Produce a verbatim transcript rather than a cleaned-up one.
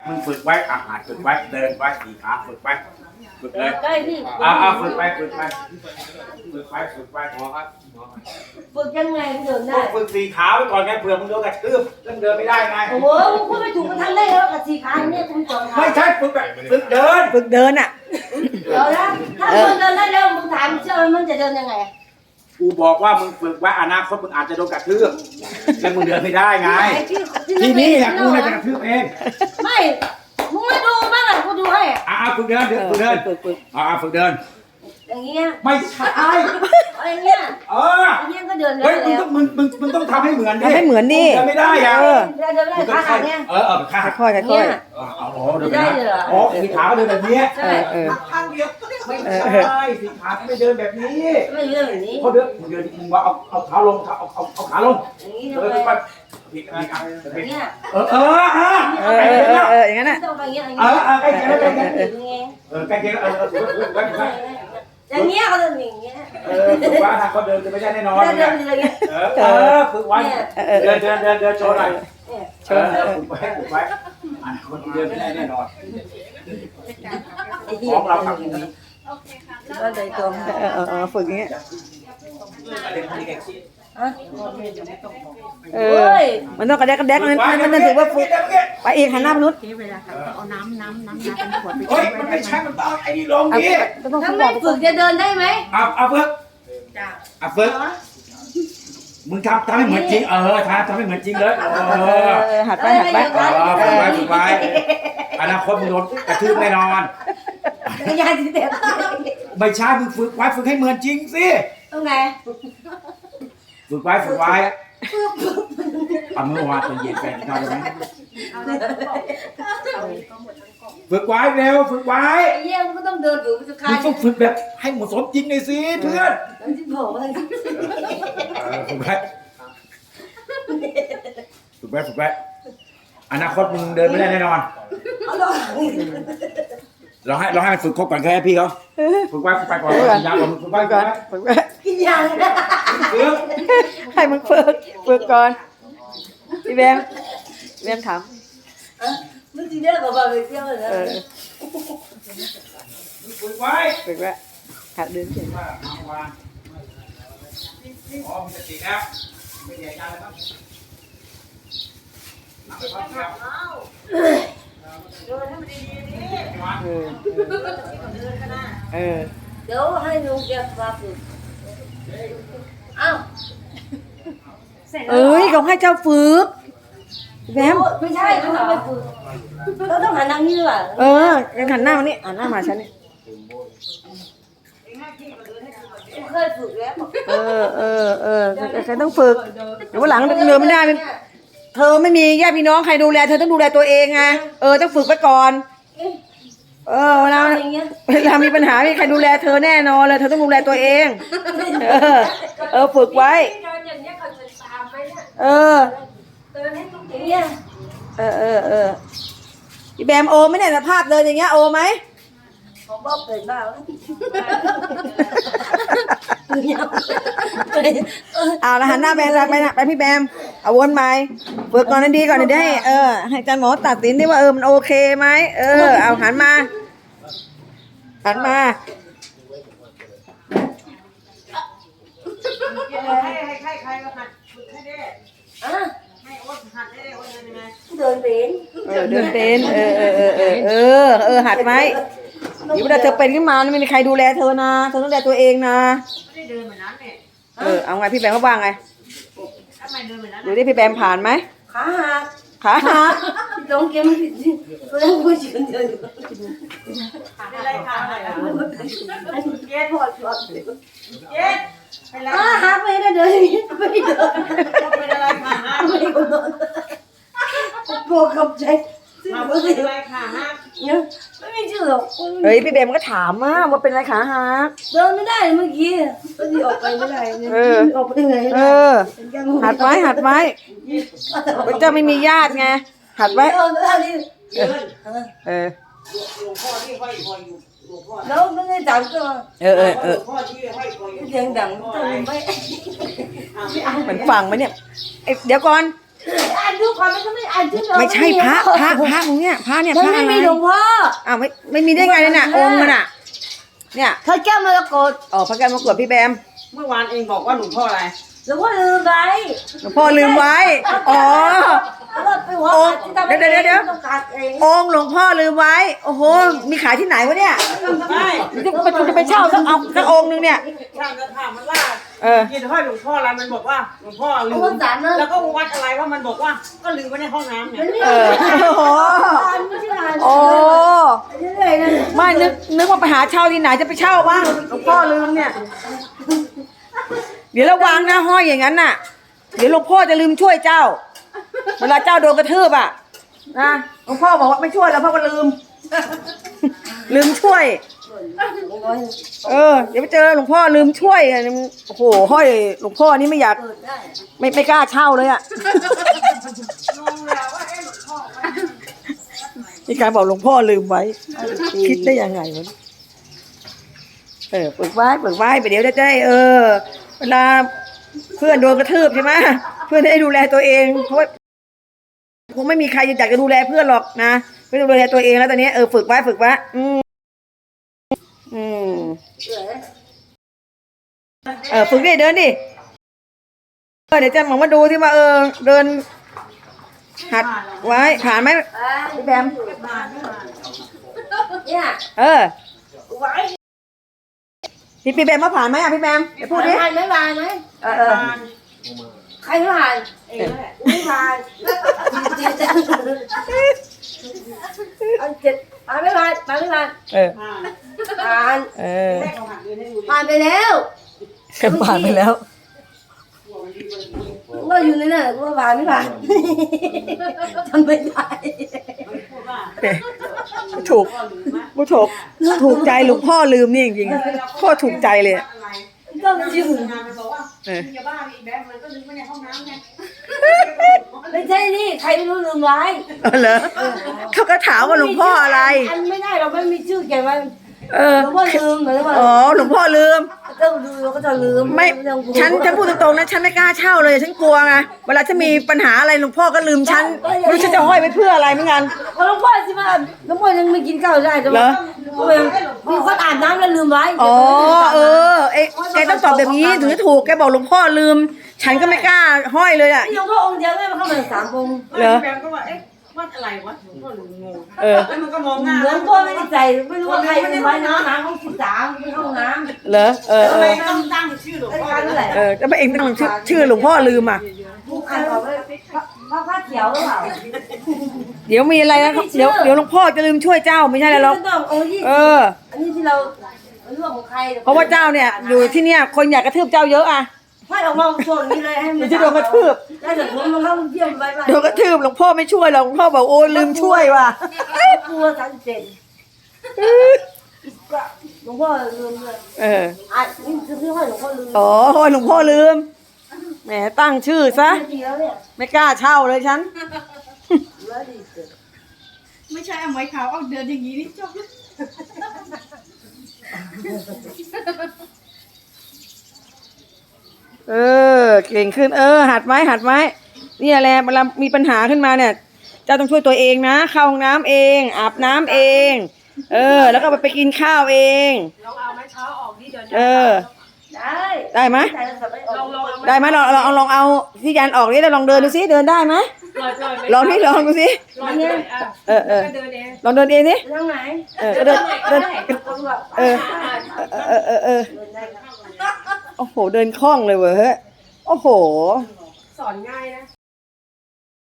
มึงฝึกไว้อาหารฝึกไว้เดินไว้สี่ขาฝึกไว้ฝึกเลยใกล้พี่อ่าอ่าฝึกไปฝึกไปฝึกไปฝึกไปหมอครับหมอครับฝึกยังไงเดินพได้วกฝึกสี่ขาไว้ก่อนไงเผื่อมึงโดนกระทืบเรื่องเดินไม่ได้ไงโอ้โหมึงพูดไม่ถูกมันทั้งเล่แล้วกับสี่ขาเนี่ยคุณสองขาไม่ใช่ฝึกแบบฝึกเดินฝึกเดินอ่ะเดี๋ยวนะถ้ามึงเดินได้แล้วมึงถามเชื่อมันจะเดินยังไงกูบอกว่ามึงฝึกไว้อนาคตมึงอาจจะโดนกระทืบแล้วมึงเดินไม่ได้ไงทีนี้แหละกูน่าจะกระทืบเองไม่มึงไม่ดูบ้างอ่ะกูดูให้อ่าฝึกเดินฝึกเดินฝึกฝึกอ่าฝึกเดินอย่างเงี้ยไม่ใช่อย่างเงี้ยเอออย่างเงี้ยก็เดินได้เฮ้ยมึงแล้ต้วองมึงมึงมึงต้องทำให้เหมือนดิทำให้เหมือนดิเดินไม่ได้อะเออเดินเดินได้ขาขาดเนี่ยเออเออขาค่อยๆค่อยเออเอาโอ้เดินไปนะอ๋อสีขาก็เดินแบบนี้ๆเออเออข้างเดียวไม่ใช่สีขาไม่เดินแบบนี้ไม่เดินแบบนี้เขาเดินเดินมึงว่าเอาเอาเท้าลงเอาเอาเอาขาลงอย่างนี้เดิทำนไมไปผิดผิดอ่ะอย่างเงี้ยเออเออฮะเออเออเออเอออย่างนั้นอ่ะต้องไปอย่างเงี้ยอย่างเอเงี้ยอเออใกล้เคียงแล้วใกล้เคียงอย่างเงี้ยเออใกล้เคียงแล้วเออเออถูกถูกถูกถูกอย่างเงี้ยเขาเดินอย่างเงี้ยเออถูกว่าถ้าเขาเดินจะไม่ได้แน่นอนเดินเดินอย่างเงี้ยเออเออฝึกไว้เดินเดินเดินเดินโชว์หน่อยเนี่ยเออฝึกไว้ฝึกไว้อ่ะคนเดินไม่ได้แน่นอนของเราทำอย่างนี้ก็เลยตรงเออเออเออฝึกอย่างเงี้ยฮะเออมันต้องกระแดกกระแดกนั้นมันมันถือว่าฝึกไปอีกหันหน้ามนุษย์เวลาเขาเอาน้ำน้ำน้ำน้ำเป็นขวดไปเฮ้ยมันไม่ใช่มันต้องไอ้นี่ลงเอาดิก็ต้องถ้าฝึกไม่บอกฝึกจะเดินได้ไหมเอาเอาเฟิร์กเอาเฟิร์กมึงทำทำให้เหมือนจริงเออทำทำให้เหมือนจริงเลยเอเอออเออหัดไปหัดไปเออฝึกไว้ฝึกไว้อนาคตมึงโดนกระทืบแน่นอนจักรยานที่เด็กไม่ใช่มึงฝึกไว้ฝึกให้เหมือนจริงสิตรงไหนฝึกไว้ฝึกไว้เอาเมื่อวานตอนเย็นแฟนกินข้าวได้ไหมฝึกไว้เร็วฝึกไว้ไอ้เยี่ยมก็ต้องเดินอยู่จะคามึยงต้องฝึกแบบให้เหมาะสมจริงหน่อยสิเพื่อนมันจะบอกว่าเออฝึกไว้ฝึกไว้ฝึกไว้อนาคตมึงเดินไม่ได้แน่นอนเอาลงเราให้เราให้มันฝึกครบก่อนแค่ให้พี่เขาฝึกไว้ฝึกไปก่อนกินยาก่อนฝึกไว้ฝึกก่อนไว้ฝึกไปกินยาเลยฝึกให้มึงฝึกฝึกก่อนพี่แบมพี่แบมถามมึงจีเดียวกับเราไปเที่ยวเลยเออฝึกไว้ฝึกไว้หัดเดินเฉยว่าเอาวางอ๋อมีสติแล้วไม่แย่ยาแล้วครับน้ำไปพักแล้วเดินให้มันดีๆนี่เออเออเดี๋ยวให้ลุงแกมาฝึกอ้าวเอ้ยเขาให้เจ้าฝึกพี่แบมไม่ใช่เขาทำไม่ฝึกเราต้องหันทางนี้ด้วยเออหันหน้ามานี่หันหน้ามาฉันนี่เคยฝึกแล้วเออเออเออใครต้องฝึกเดี๋ยววันหลังเดินไม่ได้เป็นเธอไม่มีญาติพี่น้องใครดูแลเธอต้องดูแลตัวเองไงเออต้องฝึกไว้ก่อน เออเวลาอย่างเงี้ยเวลามีปัญหามีใครดูแลเธอแน่นอนเลยเธอต้องดูแลตัวเอง เออ เออฝึกไว้ เอออย่างเงี้ยเออเออเออพี่แบมโอไหมเนี่ยสภาพเดินอย่างเงี้ยโอไหมของบ๊อบเกิดบ้าแล้วเอาละหันหน้าไปไปนะไปพี่แบมเอาวนไปฝึกก่อนให้ดีก่อนเดี๋ยวให้เออให้อาจารย์หมอตัดสินดิว่าเออมันโอเคไหมเออเอาหันมาหันมาให้ให้ใครใครก็หัดฝึกให้ได้อ่ะให้อ้วนหัดได้อ้วนเดินยังไงเดินเป็นเออเดินเป็นเออเออเออเออเออเออหัดไหมเดี๋ยวเวลาเธอเป็นขึ้นมาไม่มีใครดูแลเธอนะเธอต้องดูแลตัวเองนะไม่ได้เดินเหมือนนั้นเนี่ยเออเอาไงพี่แบมเขาว่าไงทำไมเดินเหมือนนั้นดูดิพี่แบมผ่านไหมขาหักขาหักลงเกมผิดเพื่อนผู้ชายเดินอยู่เป็นไรขาหักอ่ะเย็ดพอชอบเย็ดเป็นไรอ่ะหักไม่ได้เดินอย่างนี้ไม่เดินเป็นอะไรขาหักไม่โดนโปรกับใจมาเป็นอะไรขาหักเนี่ยไม่มีชื่อหรอกเฮ้ยพี่แบมก็ถามมาว่าเป็นอะไรขาหักเดินไม่ได้เมื่อกี้ก็ที่ออกไปไม่ได้เนี่ยออกไปไหนเออหัดไว้หัดไว้เจ้าไม่มีญาติไงหัดไว้เออได้ดิเออหลวงพ่อที่ห้อยคอยอยู่หลวงพ่อแล้วไม่ได้ดังก็เออเออเออหลวงพ่อที่ห้อยคอยอยู่เสียงดังต้องไม่เหมือนฟังไหมเนี่ยเอ้ยเดี๋ยวก่อนอ่านดูก่อนมันก็ไม่อ่านชื่อเราไม่ใช่พระพระพระองค์เนี่ยพระเนี่ยมัพนระไม่อะไรมีหลวงพ่ออ้าวไม่ไม่มีได้ไงเลยน่ะองค์มันน่ะ เนี่ยพระแก้วมรกตอ๋อพระแก้วมรกตพี่แบมเมื่อวานเองบอกว่าหลวงพ่ออะไรหลวงพ่อลืมไว้หลวงพ่อลืมไว้อ๋อแล้วก็ไปหัวโอ้ขาดที่ทำให้เดี๋ยวเดี๋ยวเดี๋ยวต้องการเององค์หลวงพ่อลืมไว้ โอ้โห มีขายที่ไหนวะเนี่ยไม่จะไปจะไปเช่าสักเอาสักองค์นึงเนี่ยช่างกระถางมันล่าเออกินห้อยหลวงพ่ออะไรมันบอกว่าหลวงพ่อลืเอามวันสารนะแล้วก็วัดอะไรว่ามันบอกว่าก็ลืมไว้ในห้องน้ำเนี่ยมันไม่เออโอ้โหไม่ใช่งานโอ้เรื่อยๆนะไม่นึกนึกว่าไปหาเช่าที่ไหนจะไปเช่าบ้างหลวงพ่อลืมเนี่ย เดี๋ยวระวังนะห้อยอย่างนั้นน่ะ เดี๋ยวหลวงพ่อจะลืมช่วยเจ้า เวลาเจ้าโดนกระทืบอ่ะนะหลวงพ่อบอกว่าไม่ช่วยแล้วพ่อก็ลืม ลืมช่วย เออเดี๋ยวไปเจอหลวงพ่อลืมช่วยอ่ะโอ้โหห้อยหลวงพ่อนี่ไม่อยากเปิดได้ไม่ไม่กล้าเช่าเลยอ่ะนี่การบอกหลวงพ่อลืมไว้ คิดได้ยังไงวะเออเปิดไว้เปิดไว้ไปเดี๋ยวจะได้เออ เวลาเพื่อนโดนกระทืบใช่ไหมเพื่อนได้ดูแลตัวเองเพราะว่าคงไม่มีใครอยากจะดูแลเพื่อนหรอกนะเพื่อนดูแลตัวเองแล้วตอนนี้เออฝึกไว้ฝึกไว้อืมอืมเออฝึกดิเดินดิเออเดี๋ยวจะมองมาดูที่ว่าเออเดินหัดไว้ผ่านไหมพี่แบมเนี่ยเออไว้พี่พี่แบมมาผ่านไหมอ่ะพี่แบมเดี๋ยวพูดดิผ่านไหมผ่านไหมเออเออใครไม่ผ่านเองนั่นแหละไม่ผ่านอันเจ็ดผ่านไม่ผ่านผ่านไม่ผ่านเออผ่านผ่านเออแม่เขาหักเงินให้ดูดิผ่านไปแล้วกันผ่านไปแล้วก็อยู่ในนั้นก็ผ่านไม่ผ่านทำไม่ได้พูดว่าถูกพ่อลืมมะผู้ถูกถูกใจหลวงพ่อลืมนี่จริงๆโคตรถูกใจเลยอะอะไรก็ชื่องานมันบอกว่าเออมึงอย่าบ้าดิอีแบ๊มันก็ลืมไว้ในห้องน้ำไงไม่ใช่นี่ใครไม่รู้ลืมไว้เออเหรอเขาก็ถามว่าหลวงพ่ออะไรอันไม่ได้เราไม่มีชื่อเขียนไว้เออหลวงพ่อลืมเหมือนว่าอ๋อหลวงพ่อลืมต้องดูเราก็จะลืมไม่ฉันฉันพูดตรงๆนะฉันไม่กล้าเช่าเลยฉันกลัวไงเวลาจะมีปัญหาอะไรหลวงพ่อก็ลืมฉันไม่รู้ฉันจะห้อยไปเพื่ออะไรเหมือนกันเพราะหลวงพ่อสิมาหลวงพ่อยังไม่กินข้าวได้แต่เหรว่าอมีคนอาบน้ำแล้วลืมไว้อ๋อเออเอ๊ะแกต้องตอบแบบนี้ถึงจะถูกแกบอกหลวงพ่อลืม ฉันก็ไม่กล้าห้อยเลยอ่ะหลวงพ่อองค์เดียวไม่มาเข้ามาสามองค์เหรอแบ๊ก็ว่าเอ๊ะวัดอะไรวะหลวงพ่อลืมงงเออแล้วมันก็มองหน้าหลวงพ่อไม่ได้ใส่ไม่รู้ว่าใครลืมไว้น้ำน้ำห้องสิบสามไม่ห้องน้ำเหรอเออทำเอไมอต้องตั้งชื่อหลวงพ่อนั่นแหละเออแล้วเองต้องชื่อชื่อหลวงพ่อลืมอ่ะอ่านออกเลยพระพระเขียวหรือเปล่าเดี๋ยวมีอะไรนะเดี๋ยวเดี๋ยวหลวงพ่อจะลืมช่วยเจ้าไม่ใช่อะไรหรอกต้ององค์ยี่เอสิบออันนี้ที่เราไม่รู้ว่าของใครเพราะว่าเจ้าเนี่ยอยู่ที่เนี่ยคนอยากกระทืบเจ้าเยอะอ่ะให้ออกมาช่วงนี้เลยให้เดี๋ยวจะโดนกระทืบแล้วเดี๋ยวผมมาเข้าเที่ยวไปไปโดนกระทืบหลวงพ่อไม่ช่วยหรอกหลวงพ่อบอกโอ้ยลืมช่วยว่ะกลัวสามสิบเจ็ดหลวงพ่อลืมเลยเอออ่ะนี่คือที่ห้อยหลวงพ่อลืมอ๋อโอ้ยหลวงพ่อลืมแหมตั้งชื่อซะเดียวเนี่ยไม่กล้าเช่าเลยฉันแล้วดีเกิดไม่ใช่เอาไม้ขาวเอาเดินอย่างนี้นี่จบเออเก่งขึ้นเออ หัดไหมหัดไหมเนี่ยแหละเวลามีปัญหาขึ้นมาเนี่ยเจ้าต้องช่วยตัวเองนะเข้าห้องน้ำเองอาบน้ำเอง เออ แล้วก็ไปกินข้าวเองลองเอาไม้เท้าออกนี่เดี๋ยวเออได้ได้ไหมใส่แล้วสับไม่อลออก งลองเอาได้ไหมลองลองลองเอาที่ยันออกนี่แล้วลองเดินดูซิเดินได้ไหมปล่อยปล่อยไปลองนี่ลองดูสิปล่อยเลยอ่ะเออเออก็เดินเองลองเดินเองสิไปทางไหนเออก็เดินเดินคนแบบเออเออเออเออโอ้โหเดินคล่องเลยเว้ยโอ้โหสอนง่ายนะ